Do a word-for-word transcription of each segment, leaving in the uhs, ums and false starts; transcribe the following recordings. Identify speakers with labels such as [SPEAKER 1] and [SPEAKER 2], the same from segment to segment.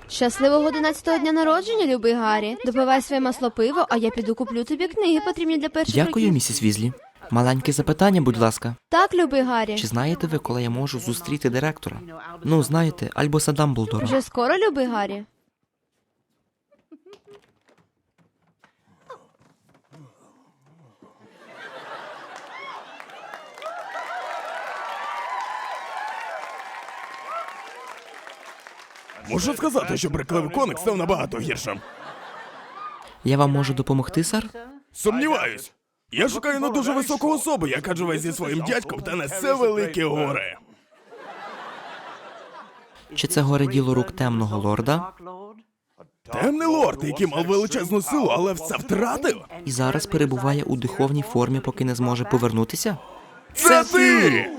[SPEAKER 1] Щасливого одинадцятого дня народження, любий Гаррі. Допивай своє масло пиво, а я піду куплю тобі книги, потрібні для перших
[SPEAKER 2] Дякую,
[SPEAKER 1] років.
[SPEAKER 2] місіс Візлі. Маленьке запитання, будь ласка.
[SPEAKER 1] Так, любий Гаррі.
[SPEAKER 2] Чи знаєте ви, коли я можу зустріти директора? Ну, знаєте, Альбуса Дамблдора.
[SPEAKER 1] Вже скоро, любий Гаррі?
[SPEAKER 3] Можу сказати, що брехливий коник став набагато гіршим.
[SPEAKER 2] Я вам можу допомогти, сер?
[SPEAKER 3] Сумніваюсь. Я шукаю на дуже високу особу, яка живе зі своїм дядьком та несе великі гори.
[SPEAKER 2] Чи це горе діло рук темного лорда?
[SPEAKER 3] Темний лорд, який мав величезну силу, але все втратив.
[SPEAKER 2] І зараз перебуває у духовній формі, поки не зможе повернутися?
[SPEAKER 3] Це ти!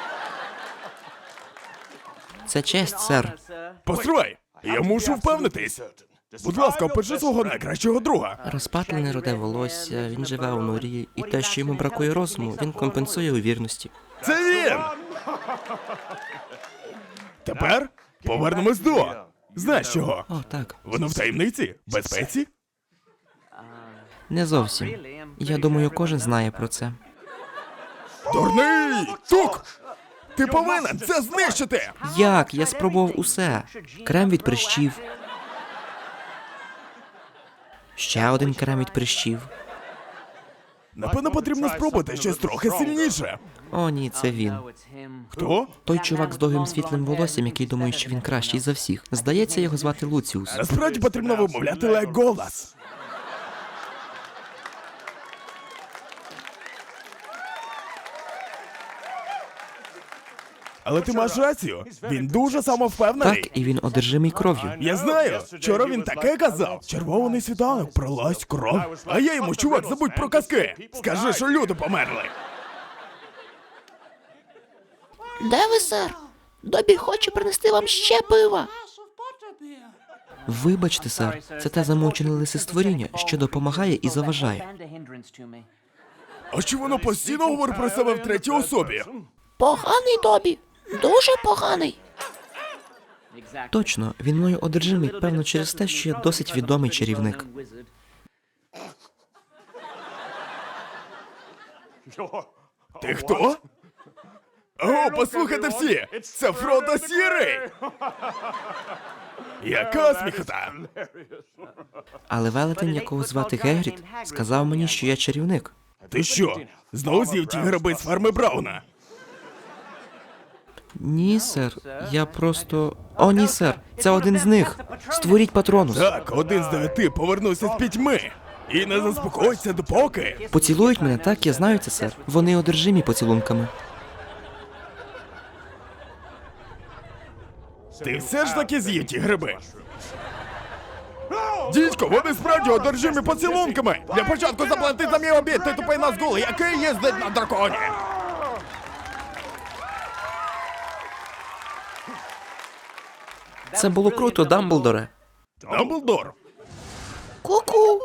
[SPEAKER 2] Це честь, сер.
[SPEAKER 3] Постривай, я мушу впевнитись. Будь ласка, опиши свого найкращого друга.
[SPEAKER 2] Розпатлене руде волосся, він живе у норі, і те, що йому бракує розуму, він компенсує у вірності.
[SPEAKER 3] Це він! Тепер повернемось до... Знаєш чого?
[SPEAKER 2] О, так.
[SPEAKER 3] Воно в таємниці? Безпеці?
[SPEAKER 2] Не зовсім. Я думаю, кожен знає про це.
[SPEAKER 3] Дурний! Тук! Ти повинен це знищити!
[SPEAKER 2] Як? Я спробував усе. Крем від прищів. Ще один крем від прищів.
[SPEAKER 3] Напевно, потрібно спробувати щось трохи сильніше.
[SPEAKER 2] О, ні, це він.
[SPEAKER 3] Хто?
[SPEAKER 2] Той чувак з довгим світлим волоссям, який думає, що він кращий за всіх. Здається, його звати Луціус.
[SPEAKER 3] Насправді потрібно вимовляти Леголас. Але ти маєш рацію. Він дуже самовпевнений.
[SPEAKER 2] Так, і він одержимий кров'ю.
[SPEAKER 3] Я знаю. Вчора він таке казав. Червоний світанок, пролазь кров. А я йому, чувак, забудь про казки. Скажи, що люди померли.
[SPEAKER 4] Де ви, сер? Добі хоче принести вам ще пива.
[SPEAKER 2] Вибачте, сер, це те замовчене лисистворіння, що допомагає і заважає.
[SPEAKER 3] А чи воно постійно говорить про себе в третій особі?
[SPEAKER 4] Поганий Добі. Дуже поганий.
[SPEAKER 2] Точно, він мною одержимий, певно, через те, що я досить відомий чарівник.
[SPEAKER 3] Ти хто? О, послухайте всі! Це Фродо Сірий! Яка сміхота!
[SPEAKER 2] Але велетень, якого звати Гегрід, сказав мені, що я чарівник.
[SPEAKER 3] Ти що, знову з'їв ті гриби з ферми Брауна?
[SPEAKER 2] Ні, сер, я просто... О, ні, сер, це один з них. Створіть патронус.
[SPEAKER 3] Так, один з дев'яти повернувся з пітьми. І не заспокоїться допоки.
[SPEAKER 2] Поцілують мене, так, я знаю це, сер. Вони одержимі поцілунками.
[SPEAKER 3] Ти все ж таки з'їв ті гриби? Дідько, вони справді одержимі поцілунками! Для початку заплати за мій обід, ти тупий назгул, який їздить на драконі!
[SPEAKER 2] Це було круто, Дамблдоре.
[SPEAKER 3] Дамблдор!
[SPEAKER 4] Ку-ку.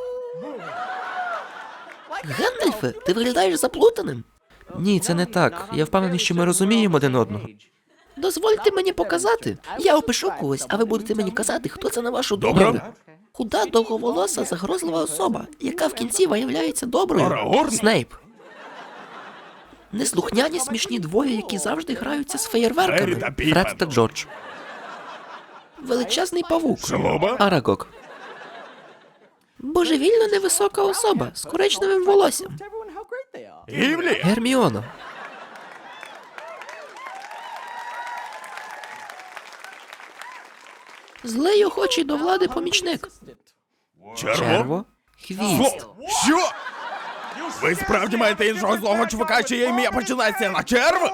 [SPEAKER 4] Гендальфе, ти виглядаєш заплутаним.
[SPEAKER 2] Ні, це не так. Я впевнений, що ми розуміємо один одного.
[SPEAKER 4] Дозвольте мені показати. Я опишу когось, а ви будете мені казати, хто це на вашу
[SPEAKER 3] Добре.
[SPEAKER 4] думку. Худа, довговолоса, загрозлива особа, яка в кінці виявляється доброю.
[SPEAKER 3] Арагорн?
[SPEAKER 2] Снейп.
[SPEAKER 4] Неслухняні смішні двоє, які завжди граються з
[SPEAKER 3] Гаррі
[SPEAKER 4] феєрверками.
[SPEAKER 3] та
[SPEAKER 2] Фред
[SPEAKER 3] Піпен.
[SPEAKER 2] та Джордж.
[SPEAKER 4] Величезний павук.
[SPEAKER 3] Шалоба?
[SPEAKER 2] Арагог.
[SPEAKER 4] Божевільно невисока особа з коричневим волоссям.
[SPEAKER 3] Гівлі?
[SPEAKER 2] Герміона.
[SPEAKER 4] Злий охочий до влади помічник.
[SPEAKER 3] Черво?
[SPEAKER 2] Черво. Хвіст.
[SPEAKER 3] Зло. Що? Ви справді маєте іншого злого чувака, чиє ім'я починається на черв?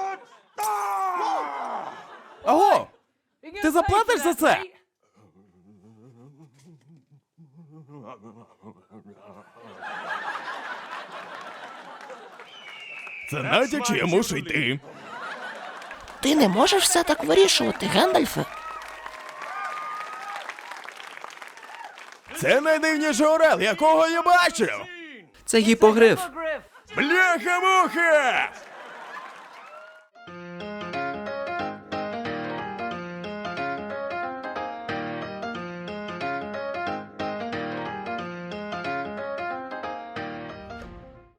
[SPEAKER 3] Аго! Ти заплатиш за це? Це навіть якщо я мушу йти.
[SPEAKER 4] Ти не можеш все так вирішувати, Гендальфе.
[SPEAKER 3] Це найдивніший орел, якого я бачив!
[SPEAKER 2] Це гіпогриф.
[SPEAKER 3] Бляха-муха!